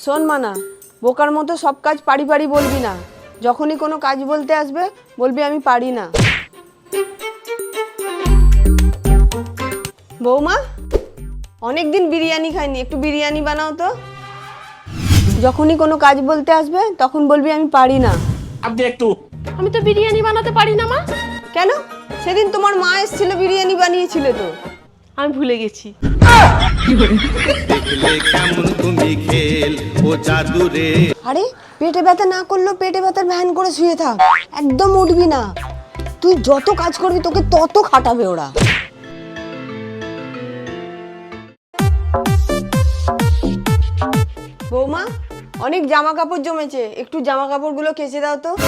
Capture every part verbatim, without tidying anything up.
শোন মানা, বোকার মতো সব কাজ পারি পারি বলবি না। যখনই কোনো কাজ বলতে আসবে বলবি আমি পারি না। বৌমা, অনেক দিন বিরিয়ানি খাইনি, একটু বিরিয়ানি বানাও তো। যখনই কোনো কাজ বলতে আসবে তখন বলবি আমি পারি না। আপনি একটু আমি তো বিরিয়ানি বানাতে পারি না মা। কেন? সেদিন তোমার মা এসেছিল, বিরিয়ানি বানিয়েছিল তো। আমি ভুলে গেছি। দেখলে কেমন তুমি খেল ও জাদু রে। আরে পেটে ব্যথা না করলেও পেটে ব্যথার ভ্যান করে শুয়ে থাক, একদম উঠবি না। তুই যত কাজ করবি তোকে তত খাটাবে ওরা। বৌমা, অনেক জামা কাপড় জমেছে, একটু জামা কাপড়গুলো কেচে দাও তো।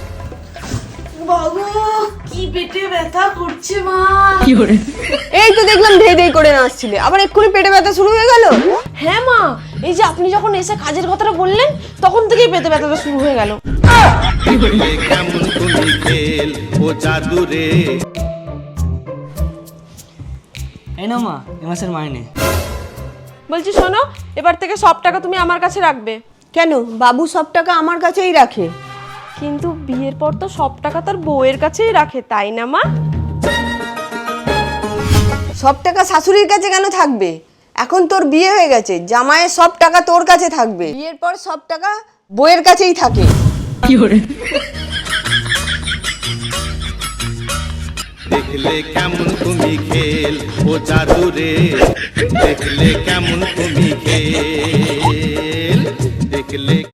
বাবু কি পেটে ব্যথা করছে মা। এই তো দেখলাম ধেই ধেই করে নাচছিলে, আবার এক্ষুনি পেটে ব্যথা শুরু হয়ে গেল। হ্যাঁ মা, এই যে আপনি যখন এসে কাজের কথাটা বললেন তখন থেকেই পেটে ব্যথাটা শুরু হয়ে গেল। দেখলে কেমন তুমি খেল ও জাদু রে। এই না মা, এ মাসের মাইনে। বলছি শোনো, এবার থেকে সব টাকা তুমি আমার কাছে রাখবে। কেন? বাবু সব টাকা আমার কাছেই রাখে। কিন্তু বিয়ের পর তো সব টাকা তার বউয়ের কাছেই রাখে, তাই না মা? সব টাকা শাশুড়ির কাছে কেন থাকবে? এখন তোর বিয়ে হয়ে গেছে, জামাইয়ের সব টাকা তোর কাছে থাকবে। বিয়ের পর সব টাকা বউয়ের কাছেই থাকে। দেখলে কেমন তুমি খেল ও জাদু রে। দেখলে কেমন তুমি খেল, দেখলে